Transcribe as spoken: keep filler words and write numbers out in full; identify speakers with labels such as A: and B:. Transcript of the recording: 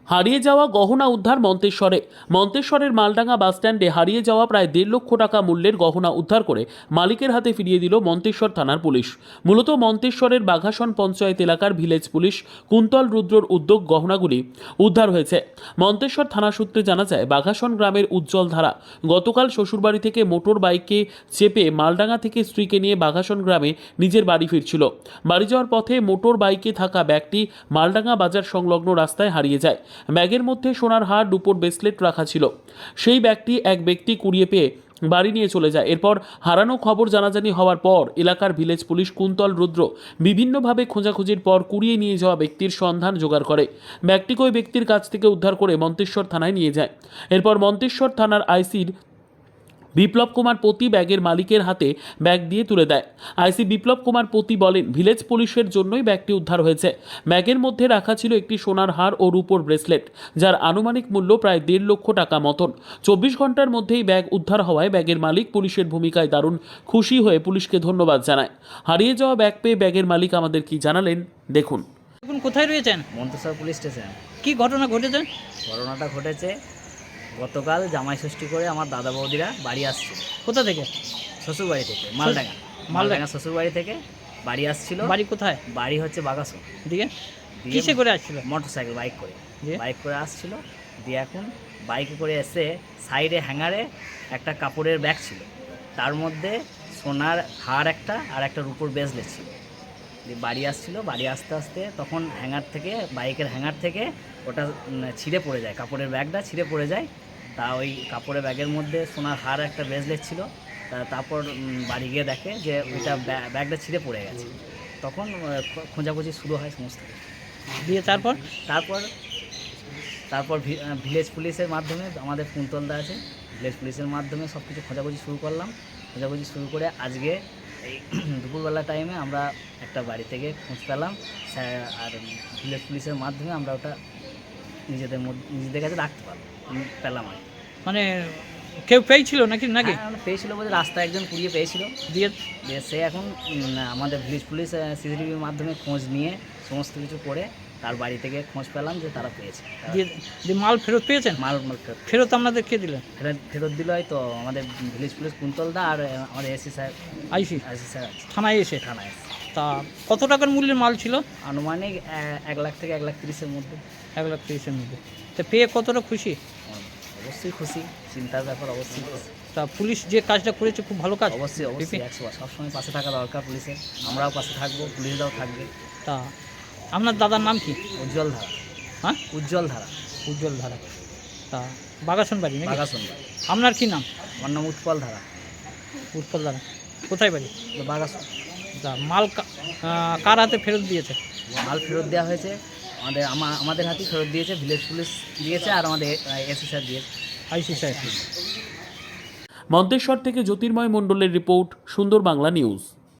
A: হারিয়ে যাওয়া গহনা উদ্ধার মন্তেশ্বরে। মন্তেশ্বরের মালডাঙ্গা বাসস্ট্যান্ডে হারিয়ে যাওয়া প্রায় দেড় লক্ষ টাকা মূল্যের গহনা উদ্ধার করে মালিকের হাতে ফিরিয়ে দিল মন্তেশ্বর থানার পুলিশ। মূলত মন্তেশ্বরের বাঘাসন পঞ্চায়েত এলাকার ভিলেজ পুলিশ কুন্তল রুদ্রর উদ্যোগ গহনাগুলি উদ্ধার হয়েছে। মন্তেশ্বর থানা সূত্রে জানা যায়, বাঘাসন গ্রামের উজ্জ্বল ধারা গতকাল শ্বশুরবাড়ি থেকে মোটর বাইকে চেপে মালডাঙ্গা থেকে স্ত্রীকে নিয়ে বাঘাসন গ্রামে নিজের বাড়ি ফিরছিল। বাড়ি যাওয়ার পথে মোটর বাইকে থাকা ব্যাগটি মালডাঙ্গা বাজার সংলগ্ন রাস্তায় হারিয়ে যায়। ব্যাগের মধ্যে সোনার হার, রূপোর ব্রেসলেট রাখা ছিল। সেই ব্যাগটি এক ব্যক্তি কুড়িয়ে পেয়ে বাড়ি নিয়ে চলে যায়। এরপর হারানো খবর জানাজানি হওয়ার পর এলাকার ভিলেজ পুলিশ কুন্তল রুদ্র বিভিন্নভাবে খোঁজাখুঁজির পর কুড়িয়ে নিয়ে যাওয়া ব্যক্তির সন্ধান জোগাড় করে ব্যাগটিকে ওই ব্যক্তির কাছ থেকে উদ্ধার করে মন্তেশ্বর থানায় নিয়ে যায়। এরপর মন্তেশ্বর থানার আইসির বিপ্লব কুমার পতি ব্যাগের মালিকের হাতে ব্যাগ দিয়ে তুলে দেয়। আইসি বিপ্লব কুমার পতি বলেন, ভিলেজ পুলিশের জন্যই ব্যাগটি উদ্ধার হয়েছে। ব্যাগের মধ্যে রাখা ছিল একটি সোনার হার ও রূপোর ব্রেসলেট, যার আনুমানিক মূল্য প্রায় দেড় লক্ষ টাকা মতন। চব্বিশ ঘন্টার মধ্যেই ব্যাগ উদ্ধার হওয়ায় ব্যাগের মালিক পুলিশের ভূমিকায় দারুণ খুশি হয়ে পুলিশকে ধন্যবাদ জানায়। হারিয়ে যাওয়া ব্যাগ পেয়ে ব্যাগের মালিক আমাদের কি জানালেন দেখুন।
B: এখন কোথায় রয়েছেন?
C: Manteswar police station.
B: কি ঘটনা ঘটেছে?
C: ঘটনাটা ঘটেছে গতকাল জামাই ষষ্ঠী করে আমার দাদা বৌদিরা বাড়ি আসছে।
B: কোথা থেকে?
C: শ্বশুরবাড়ি থেকে, মালডাঙ্গা মালডাঙ্গা শ্বশুরবাড়ি থেকে বাড়ি আসছিল।
B: বাড়ি কোথায়?
C: বাড়ি হচ্ছে বাগাসন।
B: দিকে কিসে করে আসছিল?
C: মোটর সাইকেল, বাইক করে
B: দিয়ে?
C: বাইক করে আসছিল। দিয়ে এখন বাইকে করে এসে সাইডে হ্যাঙ্গারে একটা কাপড়ের ব্যাগ ছিল, তার মধ্যে সোনার হার একটা আর একটা রূপোর ব্রেসলেট ছিল। দিয়ে বাড়ি আসছিল। বাড়ি আসতে আসতে তখন হ্যাঙ্গার থেকে, বাইকের হ্যাঙ্গার থেকে ওটা ছিঁড়ে পড়ে যায়, কাপড়ের ব্যাগটা ছিঁড়ে পড়ে যায়। তা ওই কাপড়ের ব্যাগের মধ্যে সোনার হার একটা ব্রেসলেট ছিল। তা তারপর বাড়ি গিয়ে দেখে যে ওইটা ব্যাগটা ছিঁড়ে পড়ে গেছে। তখন খোঁজাখুঁজি শুরু হয় সমস্ত কিছু।
B: দিয়ে তারপর
C: তারপর তারপর ভিলেজ পুলিশের মাধ্যমে, আমাদের কুন্তলদা আছে, ভিলেজ পুলিশের মাধ্যমে সব কিছু খোঁজাখুঁজি শুরু করলাম। খোঁজাখুঁজি শুরু করে আজকে এই দুপুরবেলা টাইমে আমরা একটা বাড়ি থেকে খোঁজ পেলাম, আর ভিলেজ পুলিশের মাধ্যমে আমরা ওটা নিজেদের মধ্যে নিজেদের কাছে রাখতে পারলাম পেলাম আর
B: মানে কেউ পেয়েছিল নাকি নাকি
C: হ্যাঁ, পেয়েছিল বলতে রাস্তায় একজন কুড়িয়ে পেয়েছিল।
B: দিয়ে
C: দিয়ে সে এখন আমাদের ভিলেজ পুলিশ সিসিটিভির মাধ্যমে খোঁজ নিয়ে সমস্ত কিছু করে তার বাড়ি থেকে খোঁজ পেলাম যে তারা পেয়েছে।
B: দিয়ে দিয়ে মাল ফেরত পেয়েছেন?
C: মাল মাল ফেরত
B: ফেরত আপনাদের কে দিলেন?
C: ফেরত ফেরত দিল হয়তো আমাদের ভিলেজ পুলিশ কুন্তলদা আর আমাদের AC sir,
B: IC
C: IC sir আছে
B: থানায় এসে।
C: থানায় এসে।
B: তা কত টাকার মূল্যের মাল ছিল?
C: আনুমানিক এক লাখ থেকে এক লাখ তিরিশের মধ্যে।
B: এক লাখ তিরিশের মধ্যে। তা পেয়ে কতটা খুশি?
C: অবশ্যই খুশি, চিন্তার ব্যাপার, অবশ্যই খুশি।
B: তা পুলিশ যে কাজটা করেছে খুব ভালো কাজ।
C: অবশ্যই অবশ্যই একশো বার সবসময় পাশে থাকা দরকার পুলিশের। আমরাও পাশে থাকবো, পুলিশরাও থাকবে।
B: তা আপনার দাদার নাম কি?
C: উজ্জ্বল ধারা।
B: হ্যাঁ,
C: উজ্জ্বল ধারা।
B: উজ্জ্বল ধারা। তা বাগাসন বাড়ি নাকি?
C: বাগাসন বাড়ি।
B: আপনার কি নাম?
C: আমার নাম উৎপল ধারা।
B: উৎপল ধারা। কোথায় বাড়ি?
C: বাগাসন।
B: তা মাল কা- আহ, কার হাতে ফেরত দিয়েছে?
C: মাল ফেরত দেওয়া হয়েছে আমাদের আমা- আমাদের হাতেই ফেরত দিয়েছে, ভিলেজ পুলিশ দিয়েছে আর আমাদের এসি স্যার দিয়েছে।
B: আইসি সাহেব।
A: মন্তেশ্বর থেকে জ্যোতির্ময় মণ্ডলের রিপোর্ট, সুন্দর বাংলা নিউজ।